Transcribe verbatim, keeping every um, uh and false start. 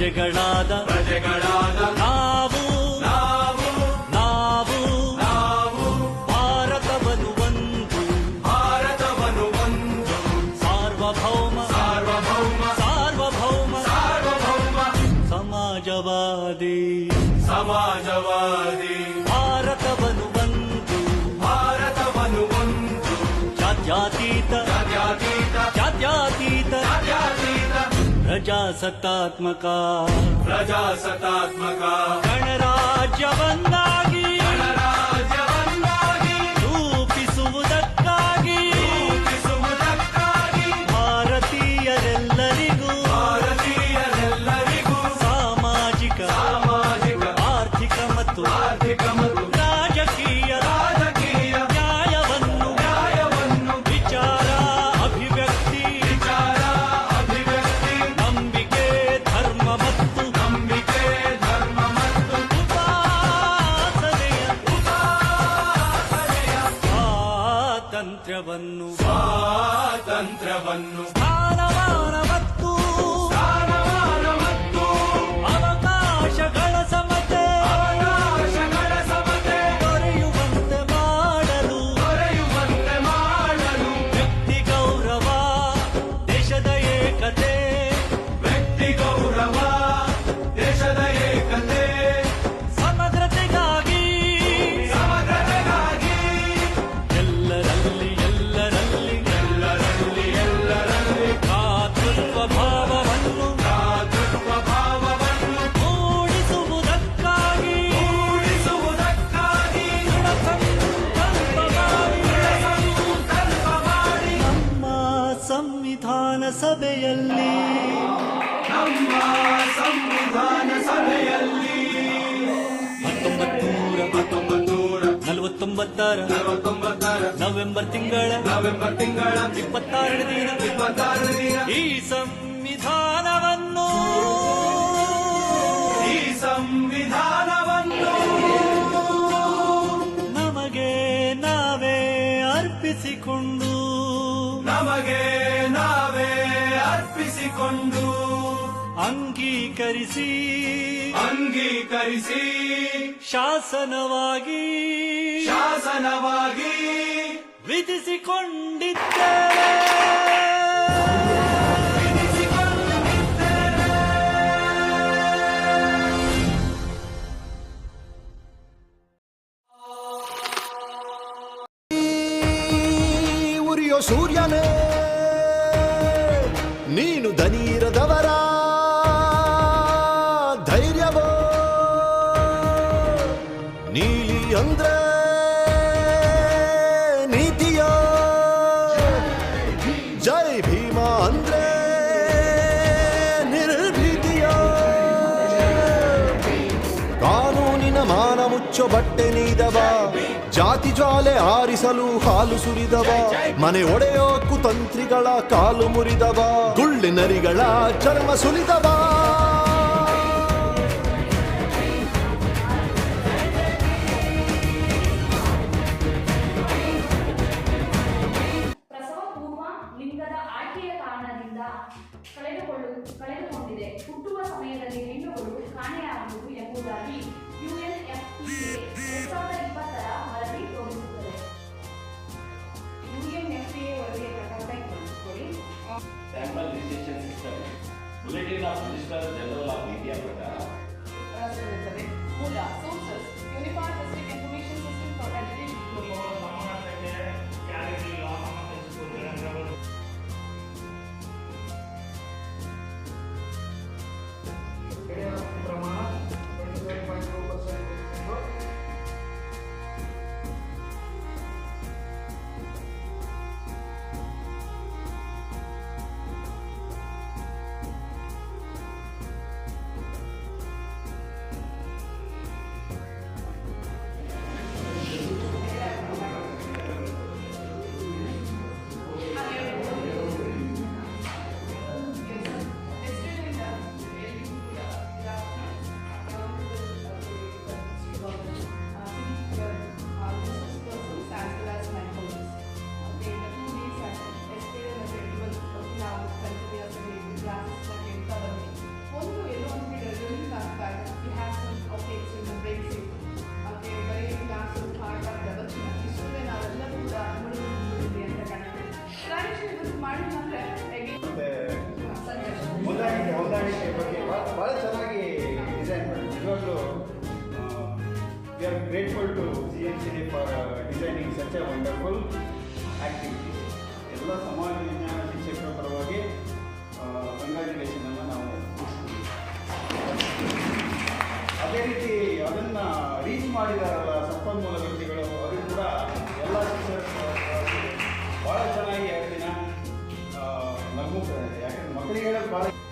ಪ್ರಜೆಗಳಾದ ಪ್ರಜೆಗಳಾದ ನಾವು ನಾವು ನಾವು ನಾವು ಭಾರತವನ್ನು ಒಂದು ಭಾರತವನ್ನು ಒಂದು ಸಾರ್ವಭೌಮ ಸಾರ್ವಭೌಮ ಸಾರ್ವಭೌಮ ಸಾರ್ವಭೌಮ ಸಮಾಜವಾದಿ ಸಮಾಜವಾದಿ ಭಾರತವನ್ನು ಒಂದು ಭಾರತವನ್ನು ಒಂದು ಜಾತ್ಯತೀತ ಜಾತ್ಯತೀತ ಜಾತ್ಯತೀತ ಜಾತ್ಯತೀತ ಪ್ರಜಾಸತ್ತಾತ್ಮಕ ಪ್ರಜಾಸತ್ತಾತ್ಮಕ ಗಣರಾಜ್ಯವನ್ನಾಗಿ ಗಣರಾಜ್ಯವನ್ನಾಗಿ ರೂಪಿಸುವುದಕ್ಕಾಗಿ ರೂಪಿಸುವುದಕ್ಕಾಗಿ ಭಾರತೀಯರೆಲ್ಲರಿಗೂ ಭಾರತೀಯರೆಲ್ಲರಿಗೂ ಸಾಮಾಜಿಕ ಸಾಮಾಜಿಕ ಆರ್ಥಿಕ ಮತ್ತು ಆರ್ಥಿಕ ಮತ್ತು ರಾಜಕೀಯ ರಾಜಕೀಯ ನ್ಯಾಯವನ್ನು ನ್ಯಾಯವನ್ನು ವಿಚಾರ ಅಭಿವ್ಯಕ್ತಿ ವಿಚಾರ ಅಭಿವ್ಯಕ್ತಿ ನಂಬಿಕೆ ಧರ್ಮ ಮತ್ತು ನಂಬಿಕೆ ಧರ್ಮ ಮತ್ತು ಉಪಾಸನೆಯ ಉಪಾಸನೆಯ ಸ್ವಾತಂತ್ರ್ಯವನ್ನು ಸ್ವಾತಂತ್ರ್ಯವನ್ನು ಸ್ಥಾನಮಾನ ಮತ್ತು ಸ್ಥಾನಮಾನ ಮತ್ತು ಅವಕಾಶಗಳ ಸಮತೆ ಅವಕಾಶಗಳ ಸಮತೆ ದೊರೆಯುವಂತೆ ಮಾಡಲು ದೊರೆಯುವಂತೆ ಮಾಡಲು ವ್ಯಕ್ತಿ ಗೌರವ ದೇಶದ ಏಕತೆ ವ್ಯಕ್ತಿ ಗೌರವ ದೇಶದ ಏಕತೆ ಸಮಗ್ರತೆಗಾಗಿ ಸಮಗ್ರತೆಗಾಗಿ ಎಲ್ಲರಲ್ಲಿ ಎಲ್ಲರಲ್ಲಿ ಎಲ್ಲರಲ್ಲಿ ಎಲ್ಲರಲ್ಲಿ ಭ್ರಾತೃತ್ವ ಭಾವವನ್ನು ಭ್ರಾತೃತ್ವ ಭಾವವನ್ನು ಮೂಡಿಸುವುದಕ್ಕಾಗಿ ಮೂಡಿಸುವುದಕ್ಕಾಗಿ ದೃಢ ಸಂಕಲ್ಪ ಮಾಡಿ ಸಂಕಲ್ಪ ಮಾಡಿ ನಮ್ಮ ಸಂವಿಧಾನ ಸಭೆಯಲ್ಲಿ ನಮ್ಮ ಸಂವಿಧಾನ ಸಭೆಯಲ್ಲಿ ಹತ್ತೊಂಬತ್ತು ನೂರ ಹತ್ತೊಂಬತ್ತು ನೂರ ನಲವತ್ತೊಂಬತ್ತರ ನಲವತ್ತೊಂಬತ್ತರ ನವೆಂಬರ್ ತಿಂಗಳ ನವೆಂಬರ್ ತಿಂಗಳ ಇಪ್ಪತ್ತಾರನೇ ದಿನ ಇಪ್ಪತ್ತಾರನೇ ದಿನ ಈ ಸಂವಿಧಾನವನ್ನು ಈ ಸಂವಿಧಾನವನ್ನು ನಮಗೆ ನಾವೇ ಅರ್ಪಿಸಿಕೊಂಡು ನಮಗೆ ನಾವೇ ಅರ್ಪಿಸಿಕೊಂಡು ಅಂಗೀಕರಿಸಿ ಅಂಗೀಕರಿಸಿ ಶಾಸನವಾಗಿ ಶಾಸನವಾಗಿ ವಿಧಿಸಿಕೊಂಡಿದ್ದೇವೆ ಉರಿಯೋ ಸೂರ್ಯನೇ ನೀನು ದನೀರದವರ ಧೈರ್ಯವೋ ನೀಲಿ ಅಂದ್ರೆ ನೀತಿಯೋ ಜೈ ಭೀಮ ಅಂದ್ರೆ ನಿರ್ಭೀತಿಯೋ ಕಾನೂನಿನ ಮಾನ ಮುಚ್ಚೋ ಬಟ್ಟೆ ನೀದವ ಜಾತಿ ಜ್ವಾಲೆ ಆರಿಸಲು ಹಾಲು ಸುರಿದವ ಮನೆ ಒಡೆಯೋ ಕುತಂತ್ರಿಗಳ ಕಾಲು ಮುರಿದವ ಗುಳ್ಳಿನರಿಗಳ ಚರ್ಮ ಸುಲಿದವ ಪ್ರಸವ ಪೂರ್ವ ಲಿಂಗದ ಆಯ್ಕೆಯ ಕಾರಣದಿಂದ ಕಳೆದುಕೊಳ್ಳು ಕಳೆದುಕೊಂಡಿದೆ. ಹುಟ್ಟುವ ಸಮಯದಲ್ಲಿ ಹೆಣ್ಣುಗಳು ಕಾಣೆಯಾಗುವುದು ಎಂಬುದಾಗಿ ಯುಎನ್ಎಫ್ಪಿಎ ಎರಡ್ ಸಾವಿರದ ಇಪ್ಪತ್ತರ ವರದಿ ತೋರಿಸುತ್ತದೆ. ಯುಎನ್ಎಫ್ಪಿಎ ವರದಿಯ ಪ್ರಕಾರ ಗಮನಿಸಿಕೊಳ್ಳಿ. Sample registration system bulletin of register general of India ಪ್ರಕಾರ ಮೂಲ sources uniform district information system for education ಯಾಕಂದ್ರೆ ಮಕ್ಕಳಿಗೆ ಹೇಳೋದು ಭಾಳ